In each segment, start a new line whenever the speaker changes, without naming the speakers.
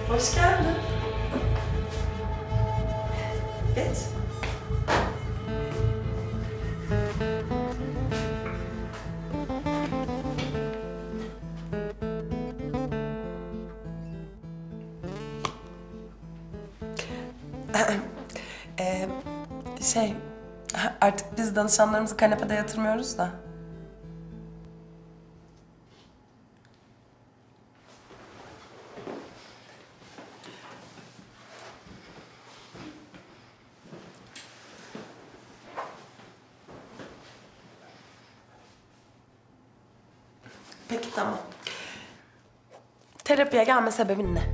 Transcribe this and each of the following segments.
Hoş geldin. Geç. Şey, artık biz danışanlarımızı kanepede yatırmıyoruz da. Peki tamam. Terapiye gelme sebebin ne?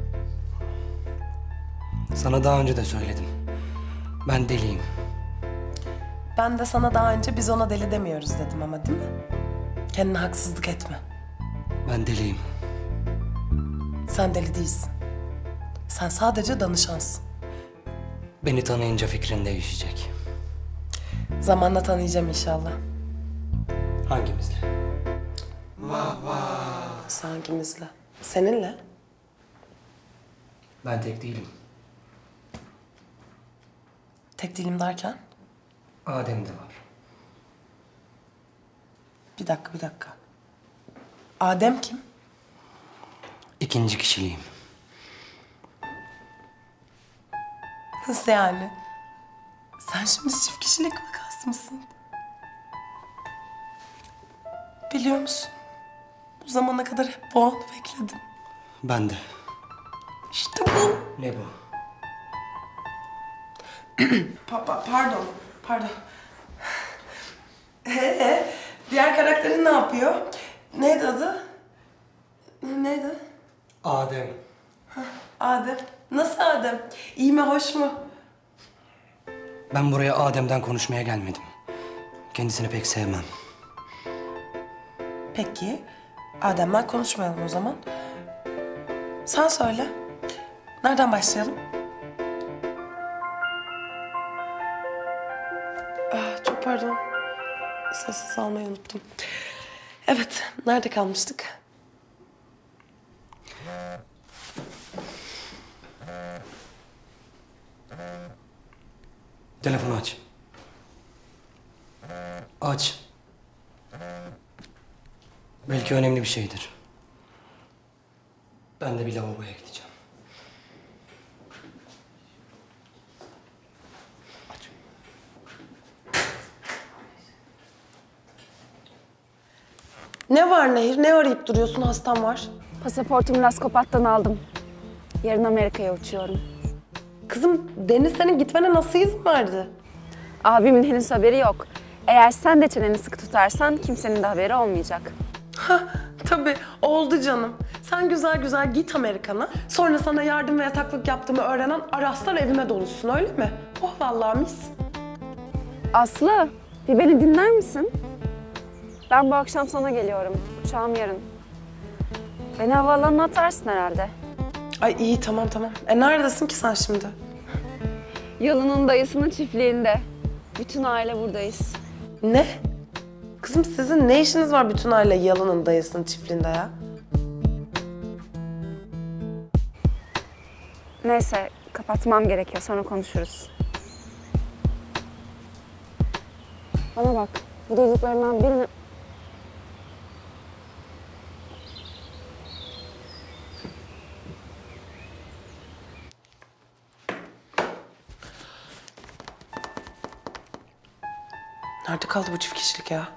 Sana daha önce de söyledim. Ben deliyim.
Ben de sana daha önce biz ona deli demiyoruz dedim ama değil mi? Kendine haksızlık etme.
Ben deliyim.
Sen deli değilsin. Sen sadece danışansın.
Beni tanıyınca fikrin değişecek.
Zamanla tanıyacağım inşallah.
Hangimizle?
Hangimizle? Seninle?
Ben tek değilim.
Tek değilim derken?
Adem de var.
Bir dakika. Adem kim?
İkinci kişiliğim.
Nasıl yani? Sen şimdi çift kişilik vakası mısın? Biliyor musun? Bu zamana kadar hep bu anı bekledim.
Ben de.
İşte bu.
Ne bu?
Pardon. Diğer karakterin ne yapıyor? Neydi adı? Neydi?
Adem.
Adem. Nasıl Adem? İyi mi, hoş mu?
Ben buraya Adem'den konuşmaya gelmedim. Kendisini pek sevmem.
Peki, Adem'den konuşmayalım o zaman. Sen söyle. Nereden başlayalım? Çok pardon. Sessiz almayı unuttum. Evet, nerede kalmıştık?
Telefonu aç. Aç. Belki önemli bir şeydir. Ben de bir lavaboya gideceğim. Aç.
Ne var Nehir? Ne arayıp duruyorsun? Hastam var.
Pasaportumu Laskopat'tan aldım. Yarın Amerika'ya uçuyorum.
Kızım, Deniz senin gitmene nasıl izin verdi?
Abimin henüz haberi yok. Eğer sen de çeneni sıkı tutarsan kimsenin de haberi olmayacak.
Tabii, oldu canım. Sen güzel güzel git Amerikan'a. Sonra sana yardım ve yataklık yaptığımı öğrenen Araslar evime doluşsun, öyle mi? Oh vallahi mis.
Aslı, bir beni dinler misin? Ben bu akşam sana geliyorum. Uçağım yarın. Beni havaalanına atarsın herhalde.
Ay iyi, tamam. Neredesin ki sen şimdi?
Yalın'ın dayısının çiftliğinde. Bütün aile buradayız.
Ne? Kızım sizin ne işiniz var bütün aile Yalın'ın dayısının çiftliğinde ya?
Neyse, kapatmam gerekiyor. Sonra konuşuruz. Bana bak, bu duyduklarından birini...
Nerede kaldı bu çift kişilik ya?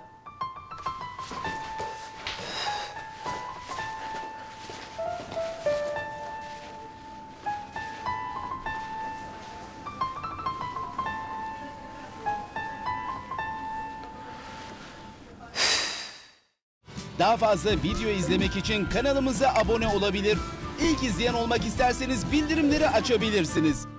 Daha fazla video izlemek için kanalımıza abone olabilir. İlk izleyen olmak isterseniz bildirimleri açabilirsiniz.